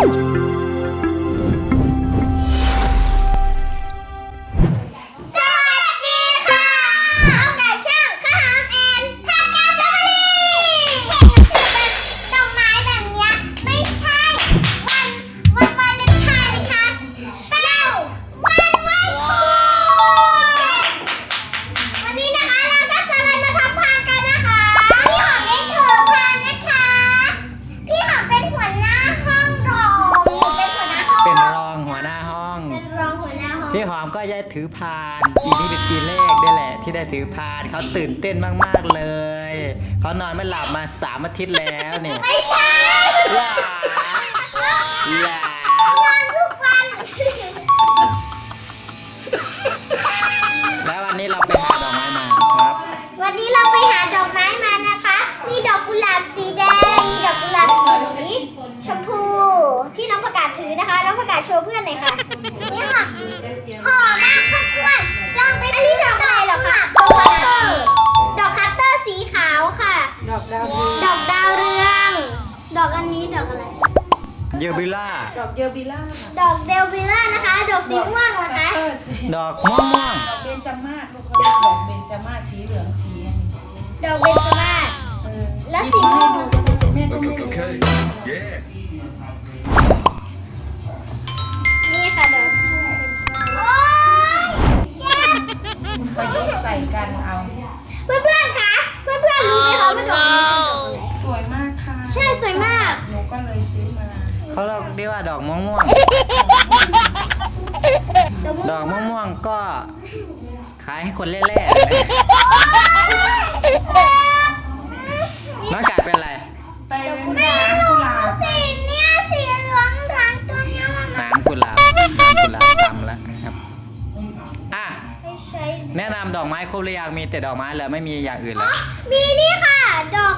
พี่หอมก็จะถือพานปีนี้เป็นปีแรกด้วยแหละที่ได้ถือพานเขาตื่นเต้นมากๆเลยเขานอนไม่หลับมา3 อาทิตย์แล้วเนี่ยไม่ใช่ว้าว้นอนทุกวันแล้ววันนี้เราไปหาดอกไม้มาครับวันนี้เราไปหาดอกไม้มานะคะมีดอกกุหลาบสีแดงมีดอกกุหลาบสีชมพูที่น้องประกาศถือนะคะน้องประกาศโชว์เพื่อนหน่อยค่ะนี่ค่ะหอมมากเพื่อนๆลองไปอันนี้ดอกอะไรเหรอคะดอกคัตเตอร์สีขาวค่ะดอกดาวเรืองดอกอันนี้ดอกอะไรเยลบิล่าดอกเยลบิล่าดอกเดลบิล่านะคะดอกสีม่วงเหรอคะดอกม่วงดอกเบญจมาศลูกเขาเรียกดอกเบญจมาศสีเหลืองสีดอกเบญจมาศแล้วสีม่วงแม่ก็ไม่รู้นี่ค่ะดอกโอ๊ยเจ็บประยุกต์ใส่กันเอาเพื่อนๆคะเพื่อนๆรู้ไหมคะว่าดอกนี้สวยมากค่ะใช่สวยมากหนูก็เลยซื้อมาเขาเรียกว่าดอกม่วงดอกม่วงก็ขายให้คนเล่ๆน้องกาดเป็นอะไรไปเล่นน้ำกุหลาบสีเนี่ยสีเหลืองทั้งตัวเนี้ยน้ำกุหลาบทำแล้วนะครับแนะนำดอกไม้ครบหรือยังมีแต่ดอกไม้เลยไม่มีอย่างอื่นแล้วมีนี่ค่ะดอก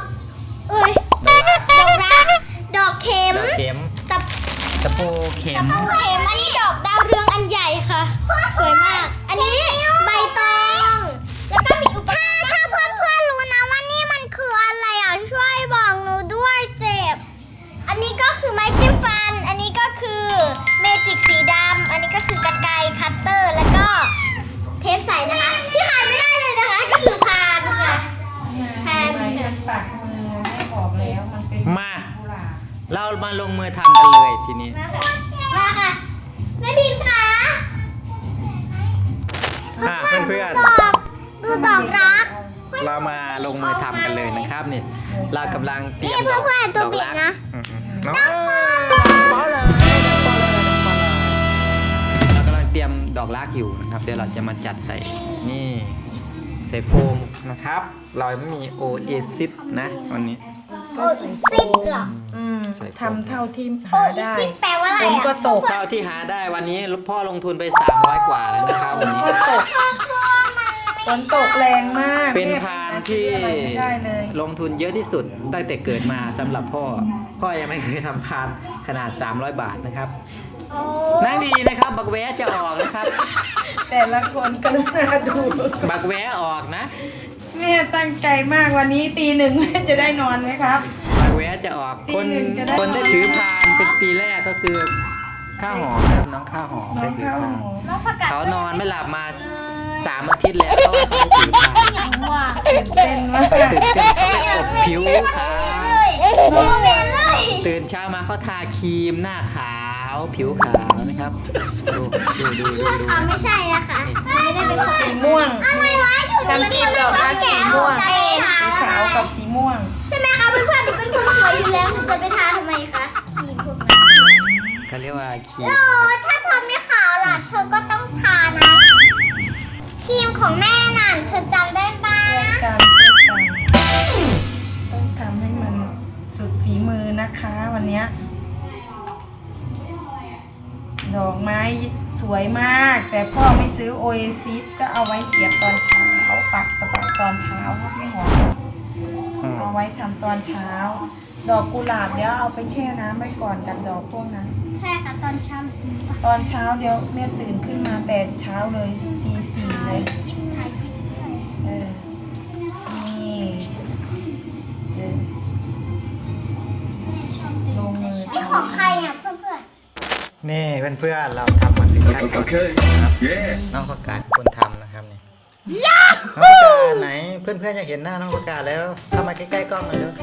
รักดอกเข็มตะปูเข็มอันนี้ดอกดาวเรืองอันใหญ่ค่ะสวยมากอันนี้ใบตองแล้วก็มีถ้าเพื่อนๆรู้นะว่านี่มันคืออะไรอ่ะช่วยบอกหนูด้วยเจ็บอันนี้ก็คือไม้จิ้มฟันอันนี้ก็คือเมจิกสีดำอันนี้ก็คือกรรไกรคัตเตอร์แล้วก็เทปใสนะคะที่ขาดไม่ได้เลยนะคะก็คือพานค่ะพานมันปักมือไม่ออกแล้วมันเป็นมาเรามาลงมือทำกันเลยทีนี้มาค่ะแม่พิมพ์คะเพื่อนดูดอกรักเรามาลงมือทำกันเลยนะครับนี่เรากำลังเตรียมดอกรักตัวบิดนะเรากำลังเตรียมดอกรักอยู่นะครับเดี๋ยวเราจะมาจัดใส่นี่ใส่โฟมนะครับเราไม่มีโอเอซิสนะวันนี้โอเอซิสหรอทำเท่าที่หาได้ฝนก็ตกเท่าที่หาได้วันนี้พ่อลงทุนไป300 กว่าแล้วนะครับวันนี้ก็ตกฝนตกแรงมากเป็นพานที่ลงทุนเยอะที่สุดตั้งแต่เกิดมาสำหรับพ่อยังไม่เคยทำพานขนาด300 บาทนะครับนั่งดีนะครับบักแวะจะออกนะครับแต่ละคนกรุณาดูบักแวะออกนะแม่ตั้งใจมากวันนี้ตี 1แม่จะได้นอนไหมครับบักแวะจะออกคนได้ถือพานเป็นปีแรกก็คือข้าวหอมครับน้องข้าวหอมได้ถือพานเขานอนไม่หลับมา3 อาทิตย์แล้วเขาถือพานเต้นมากผิวขาวตื่นเช้ามาเขาทาครีมหน้าขาวผิวขาวนะครับดูไม่ใช่นะคะไม่ได้เป็นสีม่วงอะไรวะอยู่ในทีมดอกรักสีม่วงสีขาวกับสีม่วงใช่ไหมคะเพื่อนๆหนูเป็นคนสวยอยู่แล้วหนูจะไปทาทำไมคะครีมพวกนั้นเขาเรียกว่าครีมถ้าเธอไม่ขาวล่ะเธอก็ต้องทานะครีมของแม่น่ะเธอจำได้ปะต้องทำให้มันสุดฝีมือนะคะวันนี้ดอกไม้สวยมากแต่พ่อไม่ซื้อโอเอซิสก็เอาไว้เสียบตอนเช้าปักตอนเช้าครับไม่หอมเอาไว้ทำตอนเช้าดอกกุหลาบเดี๋ยวเอาไปแช่น้ำไว้ก่อนกับดอกพวกนั้นใช่ค่ะตอนเช้าจริงปะตอนเช้าเดี๋ยวแม่ตื่นขึ้นมาแต่เช้าเลยตี 4เลยถ่ายคลิปนี่ลงมือนี่ของใครอ่ะเพื่อนนี่เพื่อนๆเราทำมาถึงขั้นตอนนะครับน้องประกาศคนทำนะครับนี่น้องประกาศไหนเพื่อนๆอยากเห็นหน้าน้องประกาศแล้วเข้ามาใกล้ๆกล้องหน่อยเร็ว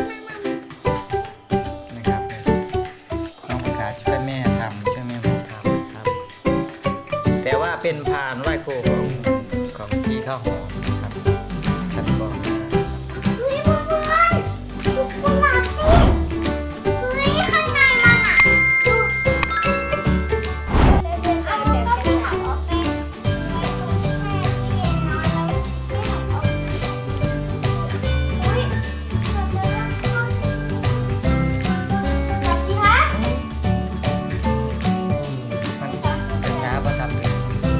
นะครับน้องประกาศช่วยแม่ทำช่วยแม่ผมทำครับแต่ว่าเป็นพานไหว้ครูของพี่ข้าวหอมนะครับชั้นบนเฮ้ยเพื่อนๆดูกุหลาบสิเฮ้ยข้างในมันอ่ะดูเอาก็ไปหักออกไปไม่ต้องแช่ตู้เย็นนอนแล้วไม่หักออกอุ้ยจับสิคะมันจะช้าเพราะทำเอง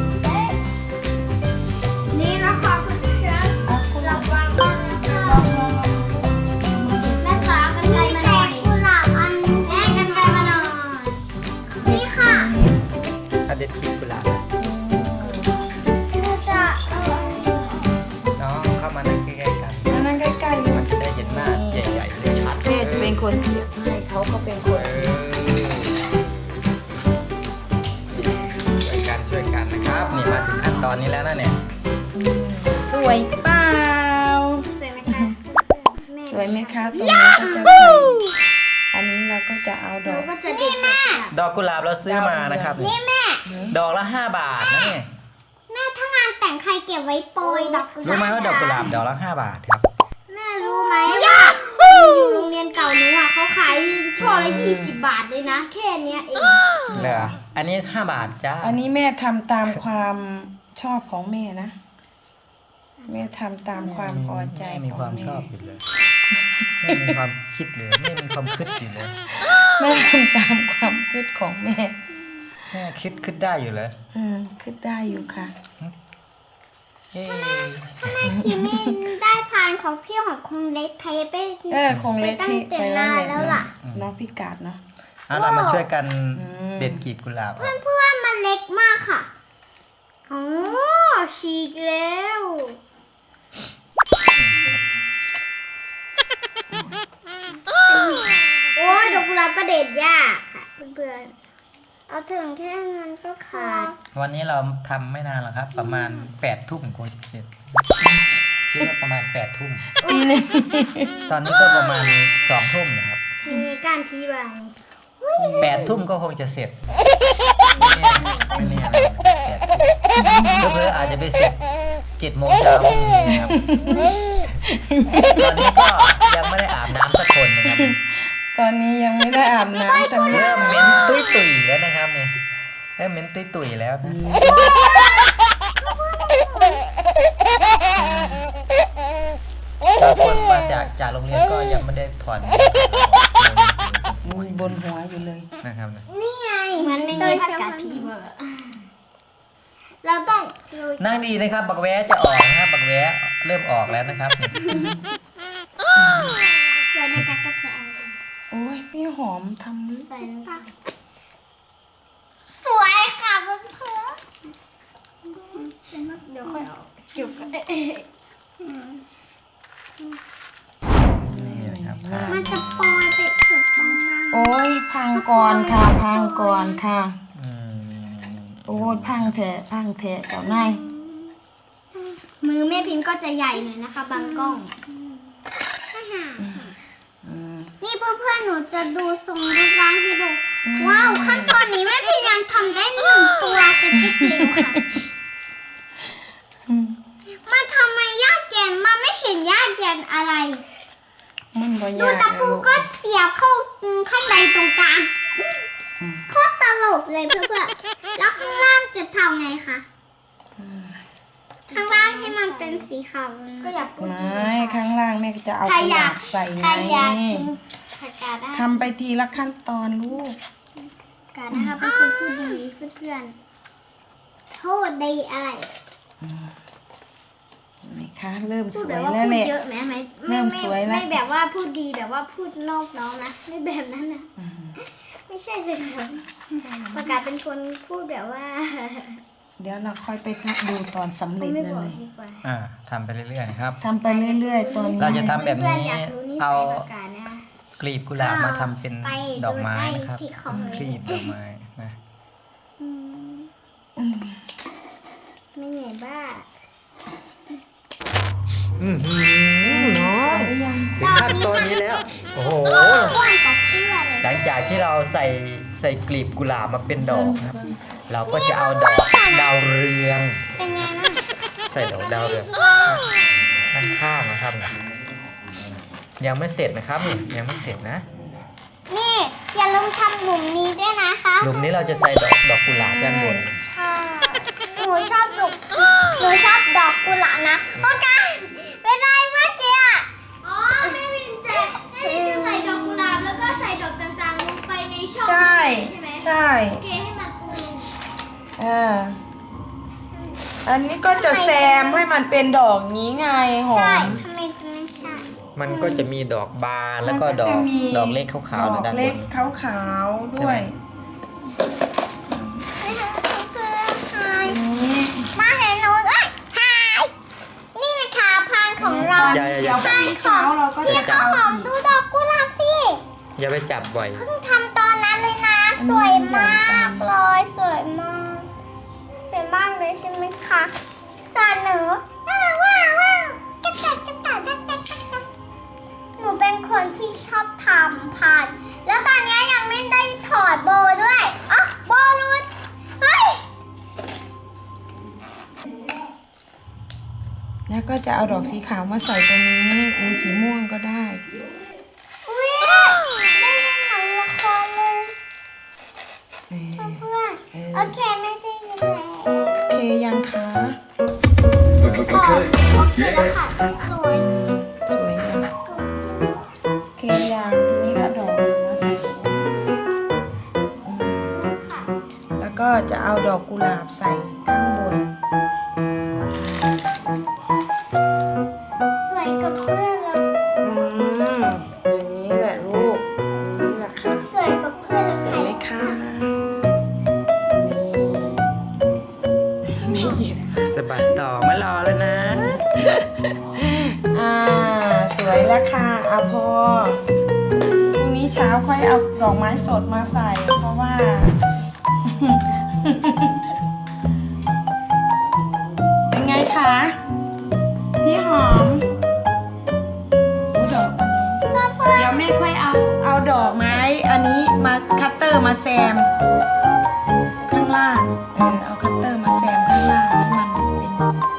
นี่นะคะเพื่อนๆระวังด้วยนะคะแม่จ๋ากันไกลมาหน่อยกุหลาบอันแม่กันไกลมาหน่อยนี่ค่ะถ้าเด็ดคลิปกุหลาบหนูจะน้องเข้ามานั่งใกล้ๆกันนั่งใกล้ๆมันจะได้เห็นหน้าใหญ่ๆเลยชัดแม่จะเป็นคนเทียบให้เขาก็เป็นคนช่วยกันนะครับนี่มาถึงขั้นตอนนี้แล้วนะเนี่ยสวยเปล่าสวยไหมคะแม่สวยไหมคะตรงนี้ก็จะใส่อันนี้เราก็จะเอาดหนูอกก็จะดีแม่ดอกกุหลาบเราซื้อมานะครับนี่แม่ดอกละ5 บาทนะเนี่ยแม่ถ้างานแต่งใครเก็บไว้โปรยดอกกุหลาบรู้ไหมว่าดอกกุหลาบดอกละ5 บาทครับแม่รู้ไหมว่าอยู่โรงเรียนเก่าหนูอ่ะเขาขายช่อละ20 บาทเลยนะ แค่เนี้ยเองเหรออันนี้5 บาทจ้าอันนี้แม่ทำตามความชอบของแม่นะ แม่ทำตามความพอใจมีขคอวาง มแม่ชอบอยู่เลยไม่มีความคิดเลยไม่มีความคิดอยู่เลยแม่ทำตามความคิดของแม่แม่คิดได้อยู่เลยคิดได้อยู่ค่ะเอ๊ะแม่คิมมี่ได้พานของพี่ของคงเล็กไทยไปคงเล็กที่ไปไปตั้นั่งนแต่แหละนานแล้วล่ะน้องพิกาดเนาะเรามาช่วยกันมเด็ดกลีบกุหลาบออกเพื่อนๆมันเล็กมากค่ะโอ้ฉีกแล้วโอ้ยดอกกุหลาบก็เด็ดยากค่ะเพื่อนๆเอาถึงแค่นั้นก็ขาดวันนี้เราทำไม่นานหรอกครับ ประมาณ8 ทุ่มคงจะเสร็จคิดว่าประมาณ8 ทุ่มตีหนึ่งตอนนี้ก็ประมาณ2 ทุ่มนะครับมีก้านพีบาง 8 ทุ่มก็คงจะเสร็จไม่แน่นะ8 ทุ่มเพื่ออาจจะไปเสร็จ7 โมงเช้าพรุ่งนี้นะครับตอนนี้ก็ยังไม่ได้อาบน้ำสักคนนะครับตอนนี้ยังไม่ได้อาบน้ำแต่แม่เริ่มเหม็นตุยๆแล้วนะครับเนี่ยเริ่มเหม็นตุยๆแล้วนะบางคนมาจากโรงเรียนก็ยังไม่ได้ถอนบนหัวอยู่เลยนะครับนี่ไงมันไม่มีผักกาดพีเบอร์เราต้องนั่งดีนะครับ บักแว้จะออกนะครับ บักแว้เริ่มออกแล้วนะครับใส่ในกากาแฟโอ้ยพี่หอมทำใส่ในปากสวยค่ะเพื่อนเดี๋ยวค่อยเอาเก็บกันนี่นะครับมันจะปอยไปสุดตรงนั้นโอ้ยพังก่อนค่ะ พังก่อนค่ะอืมโอ้ยพังเถอะพังเถอะเจ้านายมือแม่พิมพ์ก็จะใหญ่หน่อยนะคะบางกล้องนี่เพื่อนๆหนูจะดูทรงรูปร่างให้ดูว้าวขั้นตอนนี้แม่พิมพ์ยังทำได้1 ตัวกระจิกเร็วค่ะมันทำไมยากเย็นมันไม่เห็นยากเย็นอะไรมันบ่ดูยากตะปูก็เสียบเข้าข้างในตรงกลางโคตรตลกเลยเพื่อนๆแล้วข้างล่างจะทำไงคะข้างล่างให้มันเป็นสีขาวก็อยากพูดไม่ข้างล่างแม่ก็จะเอาใครกุหอยาลาก บใส่ไงใครอยากผักกาดได้ทำไปทีละขั้นตอนลูกกาดนะคะเป็นคนพูดดีเพื่อนๆโทษดีอะไรนี่ค่ะเริ่มพูสดวแบยบว่าแล้วพูแหดละเยอะไหมเริ่มสวยแล้วไม่แบบว่าพูดดีแบบว่าพูดนอกน้องนะไม่แบบนั้นนะไม่ใช่เลยครับประกาศเป็นคนพูดแบบว่าเดี๋ยวเราค่อยไปดูตอนสำเร็จไม่นั่บนอกเลยดีกว่าทำไปเรื่อยๆนะครับทำไปเรื่อยๆตอนนี้เราจะทำแบบนี้เพื่อนๆอยากรู้นิสัยเอาประกาศนะกลีบกุหลาบมาทำเป็นไปดอกไม้นะครับดูใกล้ที่คอมเมนต์กลีบดอกไม้นะบ้าน้องหรือยังถึงขั้นตอนนี้แล้ว โอ้โหอ้วนกว่าเพื่อนเลยหลังจากที่เราใส่กลีบกุหลาบมาเป็นดอกนะครับ เราก็จะเอาดอกดาวเรืองเป็นไงบ้างใส่ดอกดาวเรืองข้างๆนะครับ ยังไม่เสร็จนะครับยังไม่เสร็จนะนี่อย่าลืมทำหลุมนี้ด้วยนะคะหลุมนี้เราจะใส่ดอกกุหลาบด้านบนใช่หนูชอบดอกกุหลาบนะโอเคเป็นไรเมื่อกี้อ่ะอ๋อแม่วินจะใส่ดอกกุหลาบแล้วก็ใส่ดอกต่างๆลงไปในช่องใช่ใช่ไหมใช่โอเคให้มันสนุกอันนี้ก็จะแซมให้มันเป็นดอกนี้ไงหอใช่มทำไมจะไม่ใช่มันก็จะมีดอกบานแล้วก็ดอกเล็กขาวๆดในอกด้านบเล็กนขาวๆด้วยไม่ใช่เพื่อนใครนี่มาเห็นหนูด้วยหายนี่นะคะพานของเราอย่าเดี๋ยวพรุ่งนี้เช้าเราก็จะข้าวเอาหอมดูดอกกุหลาบสิอย่าไปจับบ่อยเพิ่งทำตอนนั้นเลยนะ สวยมากเลยสวยมาก สวยมากเลยใช่ไหมคะส่วนหนูว้าวกระต่ายกระต่ายกระต่ายกระต่ายหนูเป็นคนที่ชอบทำพาน แล้วตอนนี้ยังไม่ได้ถอดโบด้วยอ๋อโบรุดเฮ้ยแล้วก็จะเอาดอกสีขาวมาใส่ตรงนี้หรือสีม่วงก็ได้อุ๊ยได้ยินหนังละครเลยเออเพื่อนโอเคไม่ได้ยินแล้วโอเคยังคะโอเคแล้วค่ะสวยสวยยังโอเคยังทีนี้ก็ดอกมาใส่แล้วก็จะเอาดอกกุหลาบใส่ข้างบนสวยกับเพื่อนเลยอย่างนี้แหละลูกอย่างนี้แหละค่ะสวยกับเพื่อนเลยเสร็จไหมคะนี่ไม่หยิบจะบัดต่อไม่รอแล้วนะสวยแล้วค่ะเอาพอพรุ่งนี้เช้าค่อยเอาดอกไม้สดมาใส่ เพราะว่า เป็นไงคะ พี่หอมโอ้ดอกมันยังไม่เสร็จเดี๋ยวแม่ค่อยเอาดอกไม้อันนี้มาคัตเตอร์มาแซม ข้างล่าง เอาคัตเตอร์มาแซมข้างล่างให้มันเป็น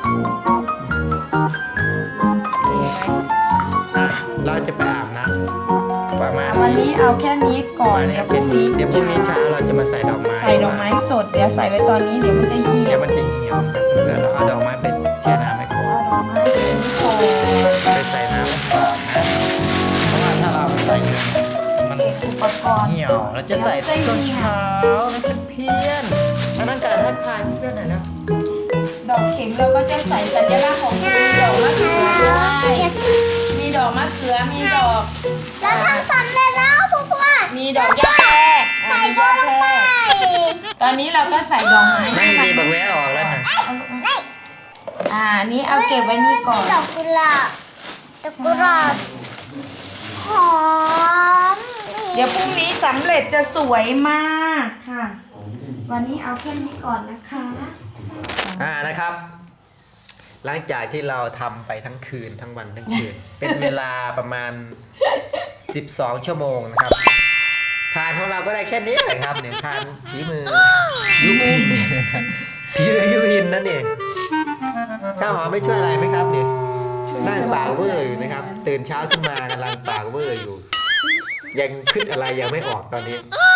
โอเคไหมเราจะไปอาบน้ำประมาณวันนี้เอาแค่นี้ก่อน เดี๋ยวพรุ่งนี้เดี๋ยวพรุ่งนี้เช้าเราจะมาใส่ดอกไม้ใส่ดอกไม้สด เดี๋ยวใส่ไว้ตอนนี้เดี๋ยวมันจะเหี่เดี๋ยยว วมันจะเหี่ยวครับเพื่อนเราเอาดอกไม้ไปแช่น้ำไว้ก่อนเอาดอกไม้เป็นโคนไปใส่น้ำไว้ก่อนนะเพราะว่าถ้าเราใส่เยอะมันอุปกรณ์เหี่ยวเราจะใส่ตอนเช้านะเพื่อนๆอันนั้นการทักทายเพื่อนหน่อยนะดอกเข็มเราก็จะใส่สัญลักษณ์ของดอกมะเขือด้วยมีดอกมะเขือ มีดอกแล้วทำสำเร็จแล้วเพื่อนมีดอกย่าแพรกใส่มีโบย่าลงแพรไปกตอนนี้เราก็ใส่ดอกไม้ไม่มีบักแวะออกแล้วนะนี่นี่เอาเก็บไว้นี่ก่อนดอกกุหลาบดอกกุหลาบหอมเดี๋ยวพรุ่งนี้สำเร็จจะสวยมากค่ะ วันนี้เอาแค่นี้ก่อนนะคะนะครับ หลังจากที่เราทำไปทั้งคืนทั้งวันทั้งคืน เป็นเวลาประมาณ 12 ชั่วโมงนะครับพานของเราก็ได้แค่นี้แหละครับเนี่ยพานฝีมือยุพินฝีมือยุพินนั่นเองข้าวหอมไม่ช่วยอะไรไหมครับเนี่ยนั่งปากเวอร์อยู่นะครับ ตื่นเช้าขึ้นมากำลังปากเวอร์อยู่ ยังคิดอะไรยังไม่ออกตอนนี้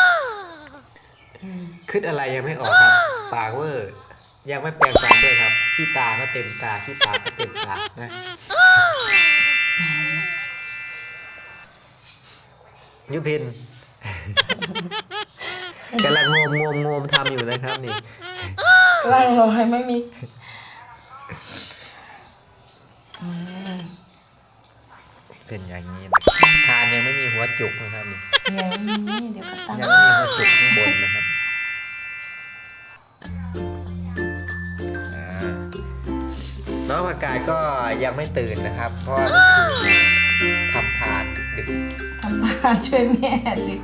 คิดอะไรยังไม่ออกครับ ปากเวอร์ยังไม่แปลงฟันด้วยครับขี้ตาก็เต็มตาขี้ปากก็เต็มปากนะยุพิน กำลังงมทำอยู่นะครับนี่กล้างรอยไม่มีเป็นอย่างนี้นะทานยังไม่มีหัวจุกนะครับนี่เดี๋ยวนี้เดี๋ยวก็ตั้งยังไม่มีหัวจุกข้างบนนะครับน้องอากาศก็ยังไม่ตื่นนะครับ เพราะว่าเมื่อคืนทำทานดึกทำบ้านช่วยแม่ดึก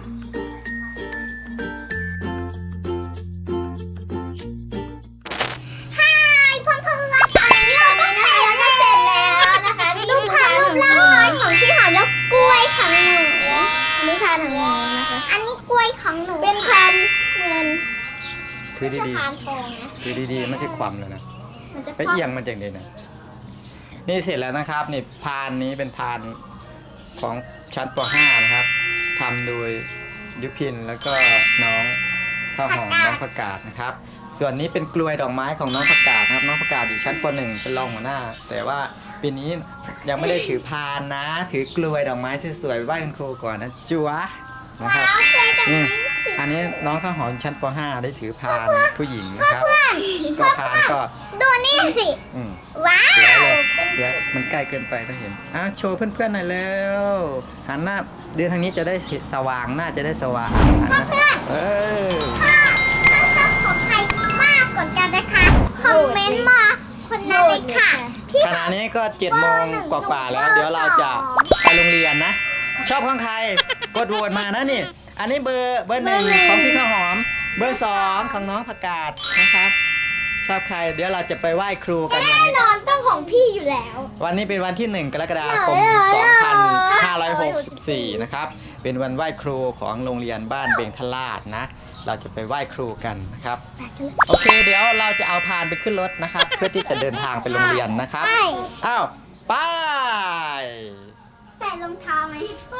ของหนูเป็นพันเงินถือไม่ใช่ดีพานทองนะๆถือดีๆไม่ใช่ความเลยนะมันจะไปเอียงมันอย่างเดียวนะนี่เสร็จแล้วนะครับนี่พานนี้เป็นพานของชั้นป .5 นะครับทำโดยยุพินแล้วก็น้องข้าวหอมน้องผักกาดนะครับ ส่วนนี้เป็นกลวยดอกไม้ของน้องผักกาดนะครับน้องผักกาดอยู่ชั้นป .1 เป็นรองหัวหน้า แต่ว่าปีนี้ยังไม่ได้ถือพานนะ ถือกลวยดอกไม้สวยๆไหว้คุณครูก่อนนะจัวนะครับว้าวเคยดอกอืมไม้สีอันนี้น้องข้าวหอมชั้นป .5 ได้ถือพานผู้หญิงนะครับ ก็พานก็ดูนี่สิอืมว้าสวยว เลยเดี๋ยวมันใกล้เกินไปถ้าเห็นโชว์เพื่อนๆหน่อยเร็วหันหน้าเดินทางนี้จะได้สว่างหน้าจะได้สว่างหันหน้าเออถ้าชอบของใครมากกว่ากันนะคะ คอมเมนต์มาคนนั้นเลยค่ะ พี่ขณะนี้ก็7 โมงกว่าๆแล้ว เดี๋ยวเราจะไปโรงเรียนนะ ชอบของใครกดโหวตมานะนี่ อันนี้เบอร์1ของพี่ข้าวหอม เบอร์2ของน้องผักกาดนะครับ ชอบใครเดี๋ยวเราจะไปไหว้ครูกันวันแน่นี้นอนต้องของพี่อยู่แล้ววันนี้เป็นวันที่ 1 กรกฎาคม 2564 นะครับ เป็นวันไหว้ครูของโรงเรียนบ้านเบงทลาดนะ เราจะไปไหว้ครูกันนะครับ โอเค เดี๋ยวเราจะเอาพานไปขึ้นรถนะครับ เพื่อที่จะเดินทางไปโรงเรียนนะครับใช่อ้าว ไปใส่รองเท้าไหม